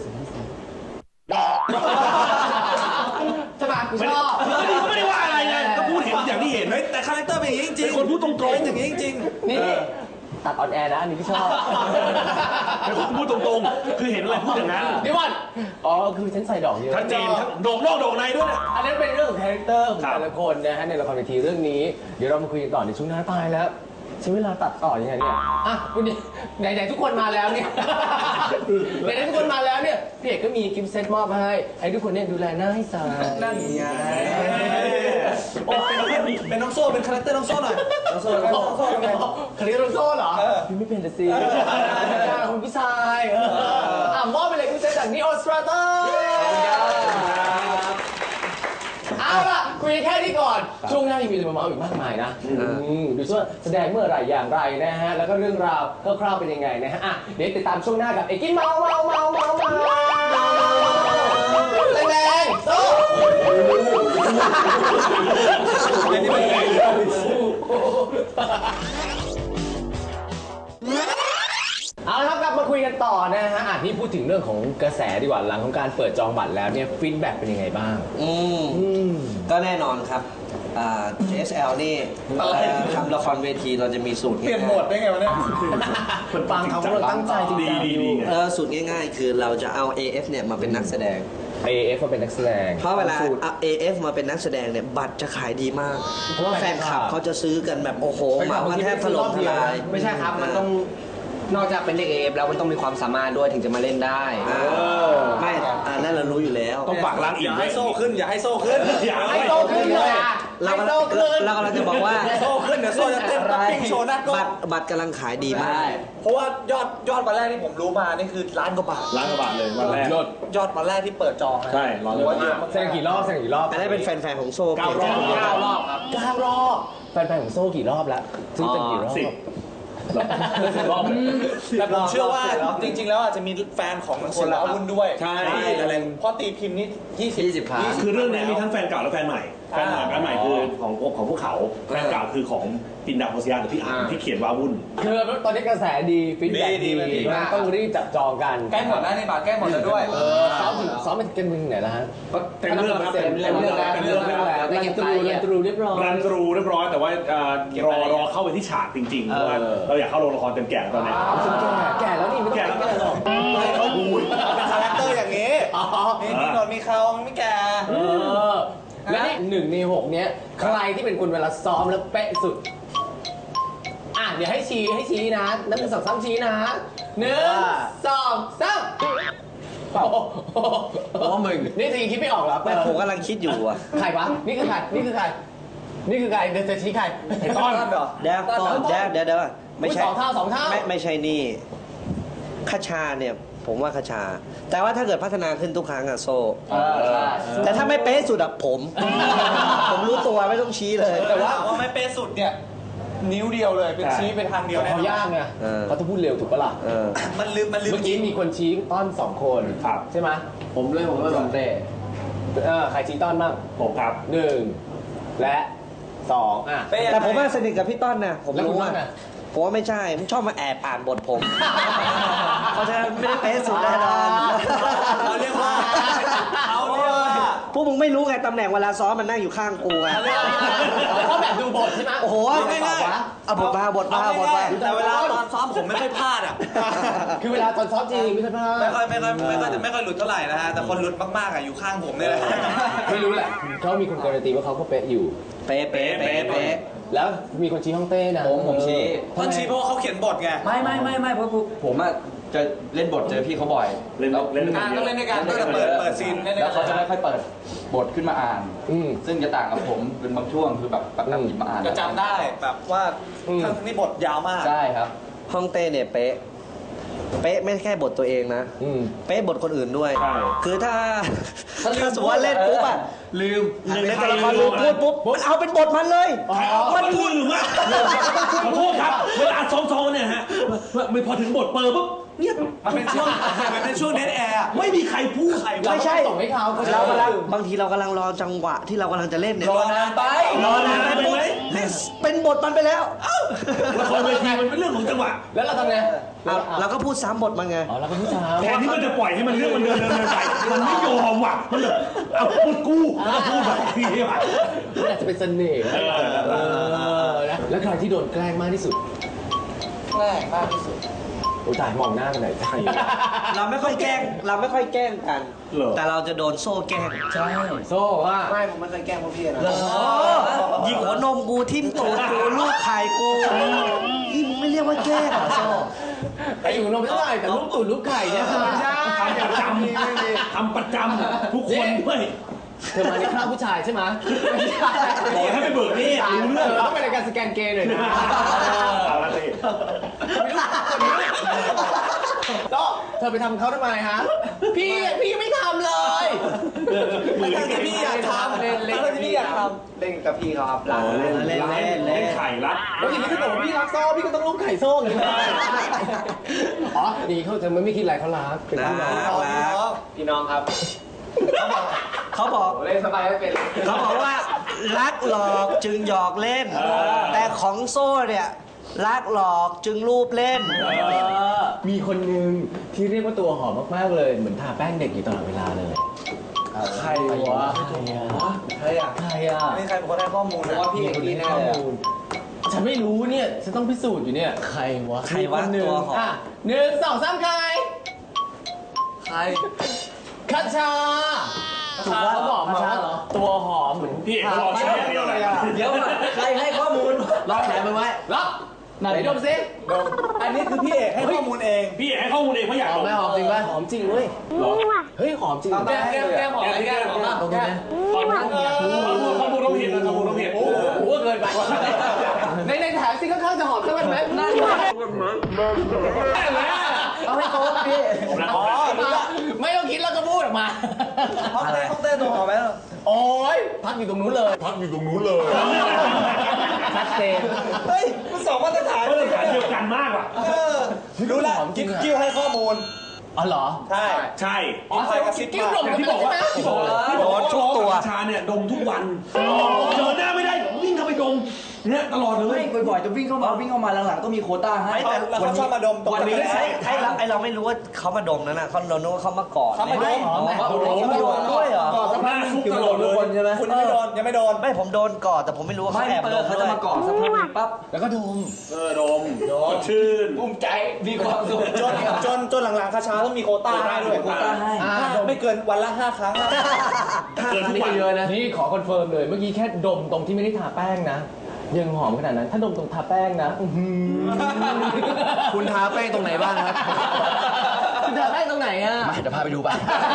Speaker 6: ใช่ไหมกู
Speaker 8: ไม่
Speaker 6: ช
Speaker 8: ได้
Speaker 6: อบ
Speaker 8: ไม่ได้ว่าอะไรเลยก็พูดเห็นอย่างที่เห็น
Speaker 5: เฮ้ยแต่คาแรคเตอร์เป็นอย่างนี้จริงๆ
Speaker 8: เป็นคนพูดตรงๆ
Speaker 5: เป็นอย่างนี้จริง
Speaker 2: นี่ตัดออนแอร์นะอันนี้ที่ชอบ
Speaker 8: เป็นคนพูดตรงๆ คือเห็นอะไรพูดอย่างนั้น
Speaker 6: เดี๋ยวก่อน
Speaker 2: อ๋อคือฉันใส่ดอกเยอะ
Speaker 8: ชัดเจนทั้งโด่งนอกโด่งในด้วยนะ
Speaker 2: อันนั้นเป็นเรื่องของคาแรคเตอร์ของ
Speaker 8: ครับ
Speaker 2: แต่ละคนนะฮะในละครเวทีเรื่องนี้เดี๋ยวเรามาคุยกันต่อในช่วงหน้าตายแล้วใช้เวลาตัดต่อยังไงเนี่ยอ่ะวันนี้ไหนๆทุกคนมาแล้วเนี่ย ไหนๆทุกคนมาแล้วเนี่ยพี่เอกก็มีกิฟต์เซตมอบให้ให้ทุกคนเนี่ยดูแลหน้าให้สายนั่นไง
Speaker 5: ๆโอ้เป็นน้องโซ่เป็นคาแรคเตอร์น้องโซ่หน่อยน้องโซ่น้องโซ่เป็นไง
Speaker 2: คาริโรโซ่เหรอพี่ไม่เป็นแต่สิคุณผู้ชายเอออ่ะมอบไปเลยกิฟต์เซตจากนิโอสตราเตอร์เอาล่ะคุยแค่นี้ก่อนช่วงหน้ายังมีเรื่องมาเมาอีกมากมายนะอืมดูซิว่าแสดงเมื่อไหร่อย่างไรนะฮะแล้วก็เรื่องราวคร่าวๆเป็นยังไงนะฮะอ่ะเดี๋ยวติดตามช่วงหน้ากับเอกกี้เมาเมาเมาเมาเมาแรงๆโซ่เอาละครับกลับมาคุยกันต่อนะฮะอ่ะนี่พูดถึงเรื่องของกระแสดีกว่าหลังของการเปิดจองบัตรแล้วเนี่ยฟีดแบ็กเป็นยังไงบ้าง
Speaker 4: อืม
Speaker 2: อืม
Speaker 4: ก็แน่นอนครับอ่า เอส แอล นี่เอ่อทำละครเวทีเราจะมีสูตร
Speaker 5: เปลี่ยนโหมดได้ไงวะเนี่ย
Speaker 2: คนฟังเขาเราตั้งใจจริง
Speaker 8: ดี
Speaker 2: จัง
Speaker 8: ดี
Speaker 2: อยู่
Speaker 8: ดีไง
Speaker 4: เออสูตรง่ายๆ คือเราจะเอา เอ เอฟ เนี่ยมาเป็นนักแสดง
Speaker 2: เอ เอฟ มาเป็นนักแสดง
Speaker 4: เพราะเวลา
Speaker 2: สูตร
Speaker 4: เอา เอ เอฟ มาเป็นนักแสดงเนี่ยบัตรจะขายดีมาก เพราะว่าแฟนคลับเขาจะซื้อกันแบบโอ้โหเหมากันแทบถล่มทลาย
Speaker 10: ไม่ใช่ครับ มันต้องนอกจากเป็นเด็กเอฟแล้วมันต้องมีความสามารถด้วยถึงจะมาเล่นได้
Speaker 4: เออไม่อ่านั่นเรารู้อยู่แล้ว
Speaker 8: ต้องฝากล้าง
Speaker 5: อ
Speaker 8: อิ่ม
Speaker 5: ย่า
Speaker 8: ไว้
Speaker 5: ให้โซ่ขึ้นอย่าให้โซ่ขึ้น
Speaker 8: อย่า
Speaker 2: ให้โตขึ้นเลยอ่ะ
Speaker 4: เรา
Speaker 2: ให้
Speaker 4: กำ
Speaker 2: โต
Speaker 4: ลัง
Speaker 2: ขึ้น
Speaker 4: เรากำลังจะบอกว่า
Speaker 5: โซ่ขึ้นเดี๋ยวโซ่จะเต้นป๊อปปิ้งโชว์หน้ากล้อ
Speaker 4: บั
Speaker 5: ง
Speaker 4: ตรบัตรกำลังขายดีมาก
Speaker 5: เพราะว่ายอดยอดวันแรกที่ผมรู้มานี่คือล้านกว่าบาท
Speaker 8: ล้างกระบาดเลยวันแรก
Speaker 5: ยอดวันแรกที่เปิดจองนะ
Speaker 8: ใช่ร้อยกว่าบาท
Speaker 2: แสดงกี่รอบแสดงกี่รอบ
Speaker 4: อันนั้นเป็นแฟนๆของโซ่
Speaker 8: เก้ารอบ
Speaker 2: เก้ารอบครับเก้ารอบแฟนๆของโซ่กี่รอบแล้วซื้อเป็นกี่รอบ
Speaker 8: สิบ
Speaker 2: รอบ
Speaker 5: แต่ผมเชื่อว่าจริง ๆ แล้วอาจจะมีแฟนของหนังสืออาวุธด้วย
Speaker 8: ใช่
Speaker 5: อะไรเพราะตีพิมพ์นี่ยี่สิบ
Speaker 10: ยี่สิบครั้ง
Speaker 8: คือเรื่องนี้มีทั้งแฟนเก่าและแฟนใหม่ แฟนใหม่แฟนใหม่คือของของพวกเขา แฟนเก่าคือของปินดาโพสยาหรือพี่อ่านที่เขียนว่าวุ่น
Speaker 2: คือตอนนี้กระแสดีฟีดแบ็ก
Speaker 5: ดี
Speaker 2: ดี
Speaker 5: ดีดีมาก
Speaker 2: ต้องรีบจับจองกัน
Speaker 5: ใกล้หมดแล้วในบาทใกล้หมดแล้วด้วย
Speaker 2: เออซ้อมถึงซ้อมเป็นกันมึงไหนแล้วฮะ
Speaker 8: เต็มเรื่องครับ
Speaker 2: เต็มเรื่องแล้ว
Speaker 8: เต็มเรื่องแล้ว
Speaker 2: แล้วรันตรูรันตรูเรียบร้อย
Speaker 8: รันตรูเรียบร้อยแต่ว่าเอ่อรอรอเข้าไปที่ฉากจริงๆเพราะว่า
Speaker 2: เออ
Speaker 8: เราอยากเข้าโรงละครเต็มแก่ตอนนี้
Speaker 2: อ้าวฉันแก่แก่แล้วนี่ไม่ต้อง
Speaker 8: แก่แล้ว
Speaker 2: แก่หรอก
Speaker 5: ไม่เขาเป็นคาแรคเตอร์อย่างนี้นี่มีหนวดมีเขามันไม่แก่
Speaker 2: เออและนี่หนึ่งในหกเนี้ยใครที่เป็นคนเวลาซ้อมแล้วเป๊ะสุดอ่ะเดี๋ยวให้ชี้ให้ชี้นะนับหนึ่งสองสามชี้นะหนึ่งสองสามโอ้โห
Speaker 10: โอ้มึง
Speaker 2: นี่ทีคิดไม่ออกเหรอ
Speaker 4: ไม่ผมกำลังคิดอยู่อะ
Speaker 2: ใครวะนี่คือใครนี่คือใครนี่คือใครเดี๋ยวจะชี้ใคร
Speaker 5: ไอ้ต้อนเหรอ
Speaker 4: เดี๋ยวก่อนเดี๋ยวเดี๋ยวเดี๋ยวไม่ใช่
Speaker 2: สองเท่าสองเท่า
Speaker 4: ไม่ไม่ใช่นี่คชาเนี่ยผมว่าคชา แต่ว่าถ้าเกิดพัฒนาขึ้นทุกครั้งอะโซ
Speaker 2: เออใช่
Speaker 4: แต่ถ้าไม่เป๊ะสุดอะผม ผมรู้ตัวไม่ต้องชี้เลย
Speaker 5: แต่ว่าว่าไม่เป๊ะสุดเนี่ยนิ้วเดียวเลยเป็นชี้เป็นทางเดียวแน่
Speaker 2: เขา
Speaker 5: นอน
Speaker 2: ยากไง
Speaker 4: เออ
Speaker 2: เขาต้องพูดเร็วถูกปะล่ะ
Speaker 4: เออ
Speaker 5: มันลืมมันลืม
Speaker 2: เมื่อกี้มีคนชี้ต้อนสองคน
Speaker 8: ครับ
Speaker 2: ใช่ไหม
Speaker 6: ผมเลยผมเลยผมเต้
Speaker 2: เออใครชี้ต้อนบ้าง
Speaker 8: ผมครับ
Speaker 2: หนึ่งและสองอ่ะ
Speaker 5: เป๊ะยังไง
Speaker 4: แต่ผมว่าสนิทกับพี่ต้นนะผม
Speaker 2: แล้วคุ
Speaker 4: รู้
Speaker 2: ณ
Speaker 4: ว่า
Speaker 2: ว่าไง
Speaker 4: ผมว่าไม่ใช่ผมชอบมาแอบอ่านบทผม เพราะฉะนั้นไม่ได้เป๊ะสุดแน่นอน
Speaker 5: เขาเรียกว่าเขาเรียกว่า
Speaker 4: พวกมึงไม่รู้ไงตำแหน่งเวลาซ้อมมันนั่งอยู่ข้างกูไง
Speaker 2: เขาแบบดูบทใช่ไหม
Speaker 4: โอ้โห
Speaker 2: ง่ายๆ
Speaker 4: เอาบทมาบทมาบทมา
Speaker 5: แต่เวลาตอนซ้อมผมไม่ค่อยพลาดอ่ะ
Speaker 2: คือเวลาตอนซ้อมจริงไม่ใช่พลาด
Speaker 5: ไม่ค่อยไม่ค่อยไม่ค่อยไม่ค่อยหลุดเท่าไหร่นะฮะ แต่คนหลุดมากๆอ่ะอยู่ข้างผมนี่แหละ
Speaker 2: ไม่รู้แหละเขามีคนการันตีว่าเขาก็เป๊ะอยู่
Speaker 4: เป๊ะเป๊ะเป๊ะเป๊ะ
Speaker 2: แล้วมีคนชี้ห้องเต้นะ
Speaker 7: ผมผมชี้
Speaker 5: ท่านชี้เพราะว่าเขาเขียนบทไง
Speaker 7: ไม่ไม่ไม่ไม่เพราะผมอะจะเล่นบทเจอพี่เขาบ่อย
Speaker 8: เล่น
Speaker 7: แล้ว
Speaker 8: เล่น
Speaker 5: อ่าต้องเล่นด้วยกันตั้งแต่เปิดเปิดซีนเล่นด้
Speaker 7: แล้ว
Speaker 5: วย
Speaker 7: เขาจะ
Speaker 5: กัน
Speaker 7: ไม่ค่อยเปิดบทขึ้นมาอ่าน
Speaker 2: อืม
Speaker 7: ซึ่งจะต่างกับผมเป็นบางช่วงคือแบบแบบแบบหยิบมาอ่าน
Speaker 5: ก็จำได้แบบว่า
Speaker 2: อืม
Speaker 5: ทั้งนี้บทยาวมาก
Speaker 7: ใช่ครับ
Speaker 4: ห้องเต้เนี่ยเป๊ะเป๊ะไม่แค่บทตัวเองนะ
Speaker 2: อืม
Speaker 4: เป๊ะบทคนอื่นด้วย
Speaker 8: ใช่
Speaker 4: คือถ้า
Speaker 7: ถ้าลืม
Speaker 4: ถ้าสมมติว่าเล่นปุ๊บอะ
Speaker 7: ลืม
Speaker 4: หนึ่งในตัวละครลืมพูดปุ๊บมันเอาเป็นบทมันเลย
Speaker 8: มันพูดหรือไม่ขอโทษครับเวลาซ้อมๆเนี่ยฮะไม่พอถึงบทเปิดปุ๊บเงียบ
Speaker 5: มันเป็นช่วงมันเป็นช่วงเดทแอร์
Speaker 8: ไม่มีใครพูด
Speaker 4: ไม่ใช่
Speaker 2: ส่งให้เขาเขาจะ
Speaker 4: เรากำลังบางทีเรากำลังรอจังหวะที่เรากำลังจะเล่นเนี่ย
Speaker 7: รอนานไป
Speaker 4: รอนานไปปุ๊บเป็นบทมันไปแล้ว
Speaker 8: ละครเวทีมันเป็นเรื่องของจังหวะ
Speaker 2: แล้วเราทำไง
Speaker 4: อ่ะเราก็พูดซ้ำบทมันไง
Speaker 2: อ๋อเราก็ผู้ชาย
Speaker 8: แทนที่มันจะปล่อยให้มันเรื่องมันเดินเดินเดินไปมันไม่ยอมว่ะมันแบบเอาพูดกูแล้วก็พูดแบบนี้ว่ะ
Speaker 2: มันอาจจะเป็นเสน่ห์
Speaker 8: เออ
Speaker 2: เออนะแล้วใครที่โดนแกล้งมากที่สุด
Speaker 5: แกล้งมากที่สุด
Speaker 2: โอ้ยตายมองหน้ากันไหนอยใช่
Speaker 4: เราไม่ค่อยแกล้งเราไม่ค่อยแกล้งกัน
Speaker 8: เหรอ
Speaker 4: แต่เราจะโดนโซ่แกล้ง
Speaker 2: ใช่โซ่ว่า
Speaker 5: ไม่ผมไม่เคยแกล้งพวกพี่นะ
Speaker 4: ยิงหัวนมกูทิ่มตูดกูลูกไข่กูนี่มึงไม่เรียกว่าแกล้งเหรอโซ่
Speaker 2: ไอ้อยู่นมไม่เท่าไหร่แต่ลูกตุ่นลูกไข่เนี่ยไม่ใช่
Speaker 8: ทำประจำทำประจำทุกคนด้วย
Speaker 2: เธอมาในคราบผู้ชายใช่ไหมไม่ใช่
Speaker 8: บอกให้ไปเบิกหนี่รู้เรื่อง
Speaker 2: เต้องเป็นรายการสแกนเกย์หน่อยนะ
Speaker 8: เอาละสิ
Speaker 2: ก็เธอไปทำเขาทำไมฮะ พี่พี่ไม่ทำเลย
Speaker 5: ไม่ใช่ที่พี่อยากทำ
Speaker 2: เล่นเล่น
Speaker 5: ไม่ใช่ที่พี่อยากทำเล่นกับพี่เขาครับหลัง
Speaker 4: เล่นเล่นเล่น
Speaker 8: เล่นไข่รัด
Speaker 2: แล้วทีนี้ถ้าเกิดว่าพี่รักโซ่พี่ก็ต้องลูกไข่โซ่ไงอ๋อดีเขาจะไม่คิดอะไรเขารักเป็นพี่น้อง
Speaker 10: พี่น้องครับ
Speaker 4: เขาบอก
Speaker 10: เล่นสบายไม่เป็น
Speaker 4: เขาบอกว่ารักหลอกจึงหยอกเล่น แต่ของโซ่เนี่ยรักหลอกจึงรูปเล่น
Speaker 2: มีคนหนึ่งที่เรียกว่าตัวหอมมากๆเลย เหมือนทาแป้งเด็กอยู่ตลอดเวลาเลย ใครวะใครอะ
Speaker 5: ใครอ่ะ
Speaker 2: ใครอะ
Speaker 5: ไม่มีใครเป็นคนให้ข้อมูลนะ
Speaker 10: ว่าพี่เอกกี้แน่เลยอะ
Speaker 2: ฉันไม่รู้เนี่ย ฉันต้องพิสูจน์อยู่เนี่ย ใครวะ
Speaker 4: ใครวะ
Speaker 2: มีนหนึ่ง
Speaker 4: ตัวหอม
Speaker 2: อ่ะหนึ่งสองสามใคร
Speaker 5: ใคร
Speaker 2: คัชชาถูกว่าเขาบอกมาว่าตัวหอมเหมือน
Speaker 8: พี่เอกรอเชื่ออย่างเดียวเลย
Speaker 10: เดี๋ยวก่อนใครให้ข้อมูล
Speaker 2: ล็อกแขนมันไว้ล็อกไหนดมซิ
Speaker 5: อันนี้คือพี่เอกให้ข้อมูลเอง
Speaker 8: พี่เอกให้ข้อมูลเองเพราะอยาก
Speaker 2: หอมไหมหอมจริงป่ะหอมจริงเว้ย
Speaker 8: หรอ
Speaker 2: เฮ้ยหอมจริง
Speaker 5: แก้มแก้มแก้มหอมอะไรแก้มหอมมาก
Speaker 2: ตรงนี้นะ
Speaker 8: ข้อมูลข้อมูลต้องผิดนะข้อมูลต้องผิด
Speaker 2: โอ้โหเกินไปในในแถมซิข้างๆจะหอมสักวันไหมนั่นเอาให้โต๊ะพี่
Speaker 5: อ๋อรู้ละ
Speaker 2: ไม่ต้องคิดแล้วก็พูดออกมา
Speaker 5: ห้องเต้ห้องเต้ตัวหอมไหม
Speaker 2: โอ้ยพักอยู่ตรงนู้นเลย
Speaker 9: พักอยู่ตรงนู้นเลย
Speaker 2: ชัดเจน
Speaker 5: เฮ้ยมันสองมาตรฐาน
Speaker 8: มาตรฐานเดียวกันมากว่ะ
Speaker 5: เออรู้ละกิ๊บกิ้วให้ข้อมูล
Speaker 2: อ๋อเหรอ
Speaker 5: ใช่
Speaker 8: ใช่
Speaker 5: อ๋อใครกระซิบ
Speaker 2: กิ้ว
Speaker 5: มา
Speaker 2: หลง
Speaker 8: อย่างที่บอกว่าที่บอกว่าที่บอกว่าทุกตัวชาเนี่ยดมทุกวันเจอหน้าไม่ได้วิ่งเข้าไปดมเนี่ยตลอดเลย
Speaker 7: ไม่บ่อยๆจะวิ่งเข้ามาวิ่งเข้ามาหลังๆก็มีโควต้าให้
Speaker 5: ไม่แต่แล้วเขาชอบมาดมตรง
Speaker 4: วันนี้
Speaker 5: กระ
Speaker 4: ไอ้
Speaker 5: แส
Speaker 4: ไอ้เราไอ้เราไม่รู้ว่าเขามาดมนั่นน่ะเขาเรานึกว่าเขามากอด
Speaker 5: เขามาดม
Speaker 4: อ๋อเขาโดนด้วยเหรอ
Speaker 5: ก่อนสักพักนึงคือโดนทุกคนใช่ไหมคุณยังไม่โดนยังไม่โดน
Speaker 4: ไม่ผมโดนกอดแต่ผมไม่รู้ว่า
Speaker 7: ไม่
Speaker 4: เขาแอบ
Speaker 7: เปิ
Speaker 4: ด
Speaker 7: ด
Speaker 4: ม
Speaker 7: เขา
Speaker 4: ด้
Speaker 7: จะ
Speaker 4: วย
Speaker 7: มาก่อสักพักหนึ่งปั๊บ
Speaker 2: แล้วก็ดม
Speaker 8: เออดมสดชื่น
Speaker 7: ภูมิใจมีความสุข
Speaker 5: จนจนจนหลังๆคาชาต้องมีโควต้าให้ด้วย
Speaker 7: โควต้าให้
Speaker 2: อ่า
Speaker 5: ไม่เกินวันละห้าครั้ง
Speaker 8: เกินทุก
Speaker 2: นี่
Speaker 8: วั
Speaker 2: ก็
Speaker 8: น
Speaker 2: เยอะนะ นี่ขอคอนเฟิร์มเลย เมื่อกี้แค่ดมตรงที่ไม่ได้ทาแป้งนะ ยังหอมขนาดนั้น ถ้าดมตรงทาแป้งนะอื้อหือ
Speaker 5: คุณทาแป้งตรงไหนบ้างครับ
Speaker 2: คุณทาแป้งตรงไหนอ่ะ
Speaker 7: มาเดี๋ยวพาไปดูป่ะ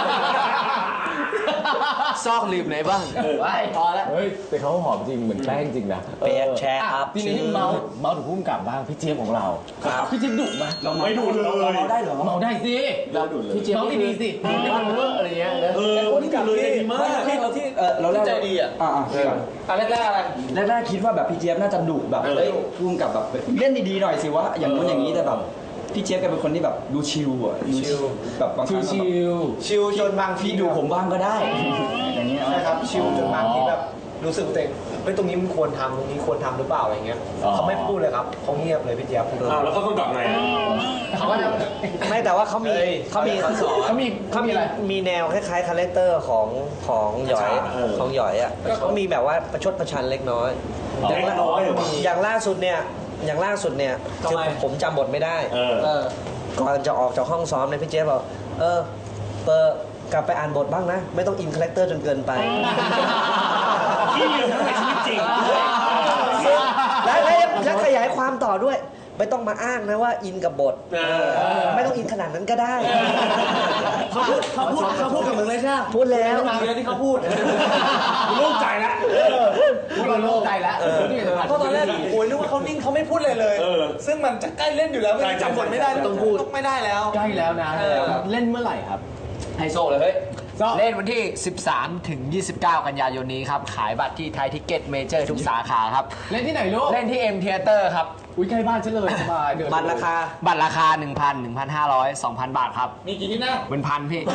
Speaker 2: ซอกลืมไหนบ้างไปพอแล้วเฮ้ย แต่เขาหอมจริง เหมือนแป้งจริงนะ
Speaker 4: เปียกแชร์
Speaker 2: อ่ะ
Speaker 4: อัพ
Speaker 2: ทีนี้เมาส์เมาส์ถึงพุ่มกลับบ้าง พี่เจี๊ยบของเรา พี่เจี๊ยบดุไหม
Speaker 7: เรา
Speaker 8: ไม่ดูเลย
Speaker 7: เราได้เหรอ
Speaker 2: เมาได้สิ
Speaker 7: เราดูเลย
Speaker 2: พี่เจี๊ยบเมาดีๆสิไม่มันเวอร์อะไรเงี้ยนะ
Speaker 8: เออไม่ดูเลยดีมาก
Speaker 5: ที่เราที่
Speaker 7: เออเราแรก
Speaker 5: ใจดีอ่ะ
Speaker 7: อ่าอ่า
Speaker 5: อันแรกๆอะไร
Speaker 7: แรกๆคิดว่าแบบพี่เจี๊ยบน่าจะดุแบบเอ้ยพุ่งกับแบบเล่นดีๆหน่อยสิวะอย่างนู้นอย่างนี้แต่แบบพี่เจี๊ยบแกเป็นคนที่แบบดูชิลอ่ะดูชิลแบบบางครั้ง
Speaker 2: ชิว
Speaker 5: ชิลจนบางที
Speaker 7: พี่ดูผมบ้างก็ได้อย่างเงี้ย
Speaker 5: ใช่ครับชิลจนบางทีแบบ
Speaker 2: รู้สึกตัวเองเฮ้ยตรงนี้มันควรทำตรงนี้ควรทำหรือเปล่าอะไรเงี้ยเขาไม่พูดเลยครับเขาเงียบเลยพี่เจี๊ยบ
Speaker 8: อ้าวแล้วเขาต้องตอบไง
Speaker 2: เขาก็จะ
Speaker 4: ไม่แต่ว่าเขามีเขามี
Speaker 6: เขามี
Speaker 4: เขามีมีแนวคล้ายๆคาแรคเตอร์ของของหยอยของหยอยอ่ะก็มีแบบว่าประชดประชันเล็กน้อยอย่างล่าอย่างล่าสุดเนี่ยอย่างล่าสุดเนี่ยคือผมจำบทไม่ได้
Speaker 8: เออ
Speaker 2: เออ
Speaker 4: ก่อนจะออกจากห้องซ้อมเนี่ยพี่เจ๊บอกเออเปิดกลับไปอ่านบทบ้างนะ ไม่ต้องอินคาแรคเตอร์จนเกินไป
Speaker 8: ที่อยู่ในชีวิตจริง
Speaker 4: แล้วแล้วแล้วขยายความต่อด้วย ไม่ต้องมาอ้างนะว่าอินกับบท
Speaker 8: เออ
Speaker 4: ไม่ต้องอินขนาดนั้นก็ได้
Speaker 2: เขาพูดเขาพูดเขาพูดกับมึงเลยใช่ไหม
Speaker 4: พูดแล้ว
Speaker 2: เรื่องที่เขาพูด
Speaker 8: โล่งใจแล้ว
Speaker 6: พวกเราโล่งใจแล้ว
Speaker 2: เพราะตอนแรกโอ้ยนึกว่าเขานิ่งเขาไม่พูดเลยเลย
Speaker 8: เออ
Speaker 2: ซึ่งมันจะใกล้เล่นอยู่แล้ว
Speaker 8: ใช่
Speaker 2: จำบทไม่ได้
Speaker 8: ต้องพูด
Speaker 2: ไม่ได้แล้ว
Speaker 6: ใกล้แล้วนะ
Speaker 2: เออ
Speaker 6: เล่นเมื่อไหร่ครับไฮโซเลยเฮ้ยเล่นวันที่ สิบสามถึงยี่สิบเก้า กันยายนนี้ครับ ขายบัตรที่ไทยทิกเก็ตเมเจอร์ทุกสาขาครับ เล่นที่ไหนลูก เล่นที่ M Theater ครับ อุ้ยใกล้บ้านฉันเลยสบายเดิน
Speaker 4: บัตรราคา
Speaker 6: บัตรราคา หนึ่งพัน หนึ่งพันห้าร้อย สองพัน บาทครับ
Speaker 2: มีกี่ที่นั่ง
Speaker 6: เป็นพันพี่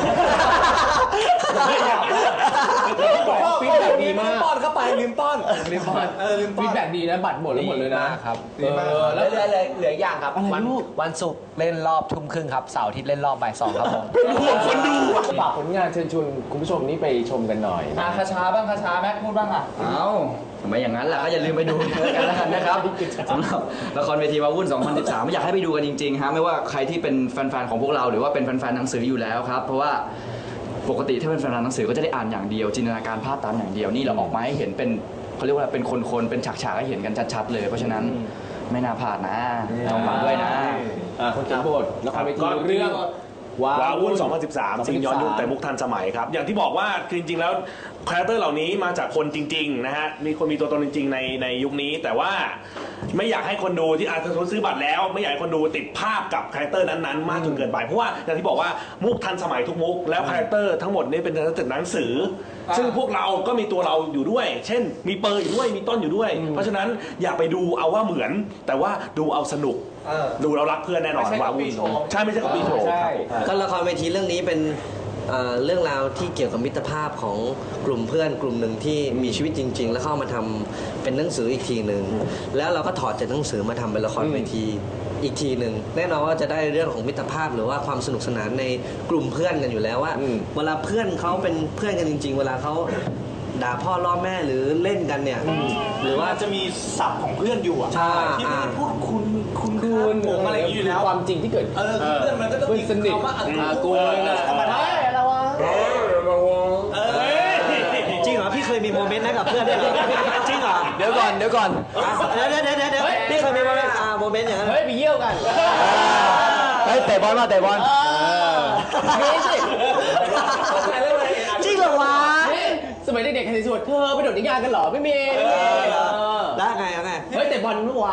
Speaker 2: ฟีดแบ็กดีมากป้อนเข้าไปลืมป้อน
Speaker 6: ลืมป้อน
Speaker 2: เออลืมป้อน
Speaker 6: ฟีดแบ็กดีนะบัตรหมดแล้วหมดเลยนะครับ
Speaker 2: ดีมาก
Speaker 6: เออแล้วเหลือเหลือเหลืออย่างครับ
Speaker 2: อะไร
Speaker 6: วัน
Speaker 2: ลูก
Speaker 6: วันศุกร์เล่นรอบทุ่มครึ่งครับเสาร์อาทิตย์เล่นรอบบ่ายสองครับผม
Speaker 8: คนดู
Speaker 6: ฝากผลงานเชิญชวนคุณผู้ชมนี่ไปชมกันหน่อยคาชาบ้างคาชาแม็กพูดบ้างอ่ะ
Speaker 7: เอ้าทำไมอย่างนั้นล่ะก็อย่าลืมไปดูกันแล้วกันนะครับสำหรับละครเวทีวาวุ่น สองพันสิบสาม อยากให้ไปดูกันจริงๆฮะไม่ว่าใครที่เป็นแฟนๆของพวกเราหรือว่าเป็นแฟนๆหนังสืออยู่แล้วครับเพราะว่าปกติถ้าเป็นแฟนๆหนังสือก็จะได้อ่านอย่างเดียวจินตนาการภาพตามอย่างเดียวนี่เราออกมาให้เห็นเป็นเขาเรียกว่าเป็นคนๆเป็นฉากๆให้เห็นกันชัดๆเลย เพราะฉะนั้นไม่น่าพลาดนะลองฟังด้วยนะ
Speaker 6: คนเขียนบทละครเวที
Speaker 8: ก็
Speaker 6: เรื่อง
Speaker 8: ว้าวุ่น สองพันสิบสาม สิ่งย้อนยุคแต่มุกทันสมัยครับ อย่างที่บอกว่าคือจริงๆแล้วคาแรคเตอร์เหล่านี้มาจากคนจริงๆนะฮะ มีคนมีตัวตนจริงๆในในยุคนี้ แต่ว่าไม่อยากให้คนดูที่อาจจะซื้อบัตรแล้ว ไม่อยากให้คนดูติดภาพกับคาแรคเตอร์นั้นๆมากจนเกินไป เพราะว่าอย่างที่บอกว่ามุกทันสมัยทุกมุก แล้วคาแรคเตอร์ทั้งหมดนี้เป็นจากหนังสือ ซึ่งพวกเราก็มีตัวเราอยู่ด้วย เช่น มีเปอร์อยู่ด้วย มีต้นอยู่ด้วย เพราะฉะนั้นอย่าไปดูเอาว่าเหมือน แต่ว่าดูเอาสนุก ดูเรารักเพื่อนแน่นอนว้าวุ่นใช่ไม่ใช่กับปีโชว์ครับ
Speaker 4: ก็ละครเวทีเรื่องนี้เป็นเอ่อเรื่องราวที่เกี่ยวกับมิตรภาพของกลุ่มเพื่อนกลุ่มหนึ่งที่มีชีวิตจริง ๆ แล้วเข้ามาทำเป็นหนังสืออีกทีหนึ่งแล้วเราก็ถอดจากหนังสือมาทำเป็นละครเวทีอีกทีหนึ่งแน่นอนว่าจะได้เรื่องของมิตรภาพหรือว่าความสนุกสนานในกลุ่มเพื่อนกันอยู่แล้วว่าเวลาเพื่อนเขาเป็นเพื่อนกันจริง ๆ เวลาเขาด่าพ่อล่อแม่หรือเล่นกันเนี่ยหรือว่า
Speaker 5: จะมีศัพท์ของเพื่อนอยู่อ่ะ
Speaker 4: ใช่
Speaker 5: ที่ไม่ได้พูดคุณคุณ
Speaker 6: คุณ
Speaker 5: ผมอะไรอย่างนี้อยู่แล้ว
Speaker 6: ความจริงที่เกิด
Speaker 5: เออเพื่อนมันก็ต้องมี
Speaker 6: เพื่อนสนิท
Speaker 5: คำว่าอากู
Speaker 6: อากูนะ
Speaker 5: ธรรมดา
Speaker 6: ระวัง
Speaker 4: จริงเหรอพี่เคยมีโมเมนต์นั้นกับเพื่อนด้วยเหรอจริงเหรอ
Speaker 6: เดี๋ยวก่อนเดี๋ยวก่อน
Speaker 4: เดี๋ยวเดี๋ยวเดี๋ยวเดี๋ยวพี่เคยมีโมเมนต์อ่าโมเมนต์อย่างนั้น
Speaker 6: เฮ้ยไปเยี่ยวกันเฮ้ยเตะบอลมาเตะบอลนี่สิ
Speaker 4: จริงเหรอวะ
Speaker 6: สมัยเด็กๆใครสวดเธอไปโดดนิยายกันเหรอไม่มีไม่มี
Speaker 4: แล้วไงแล้วไง
Speaker 6: เฮ้ยเตะบอลเมื่อวาน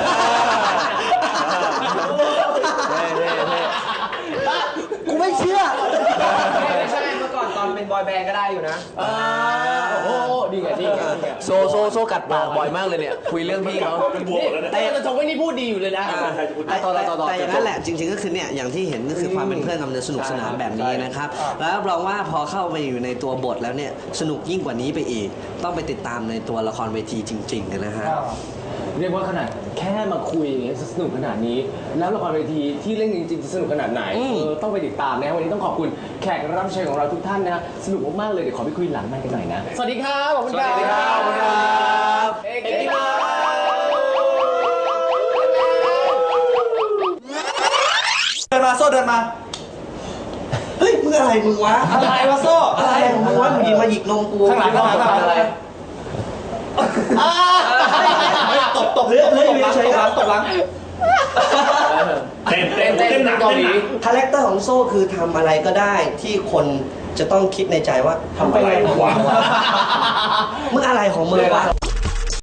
Speaker 4: กูไม่เชื่อ
Speaker 10: ไม่ใช่เมื่อก่อนตอนเป็นบอยแบนด์ก็ได้อยู่นะ
Speaker 6: โอ้โหดีไงดีไงโซโซโซกัดปากบ่อยมากเลยเนี่ยคุยเรื่องพี่เขา
Speaker 8: เป็นบวกแล้วนะ
Speaker 6: แต่จะชมว่านี่พูดดีอยู่เลยนะ
Speaker 4: แต่แต่อย่างนั้นแหละจริงๆก็คือเนี่ยอย่างที่เห็นก็คือความเป็นเพื่อนกันสนุกสนานแบบนี้นะครับแล้วรับรองว่าพอเข้าไปอยู่ในตัวบทแล้วเนี่ยสนุกยิ่งกว่านี้ไปอีก ต้องไปติดตามในตัวละครเวทีจริงๆนะฮะ
Speaker 6: เรียกว่าขนาดแค่มาคุยอย่างเงี้ยสนุกขนาดนี้ แล้วละครเวทีที่เล่นจริงๆจะสนุกขนาดไหนเออต้องไปติดตามนะวันนี้ต้องขอบคุณแขกรับเชิญของเราทุกท่านนะสนุกมากๆเลยเดี๋ยวขอไปคุยหลังไมค์กันหน่อยนะสวัสดีครับขอบคุณครับสวัสดีครับขอบคุณครับเอกกี้มา
Speaker 5: เดินมาโซ่เดินมา
Speaker 4: เฮ้ยมึงอะไรมึงวะ
Speaker 5: อะไรวะโซ่
Speaker 4: อะไรของมึงวะมึงหยิบมาหยิกนมกู
Speaker 5: ข้างหลังข้างหลังข้างหลังอะไรตบตบ
Speaker 4: เลื่อนเลื่อนอยู่เฉย
Speaker 5: ตบ
Speaker 4: ๆ
Speaker 5: ห
Speaker 4: ค
Speaker 5: ลั
Speaker 4: รั
Speaker 5: ง
Speaker 4: บ
Speaker 5: ตบหลัง
Speaker 8: เต้นเต้น
Speaker 6: เต้น
Speaker 8: เต้นหนัก
Speaker 6: เกา
Speaker 8: เต้น
Speaker 6: หลี
Speaker 8: หนัก
Speaker 4: คาแรคเตอร์ของโซ่คือทำอะไรก็ได้ที่คนจะต้องคิดในใจว่าทำอะไรวะมึงอะไรของมึงวะ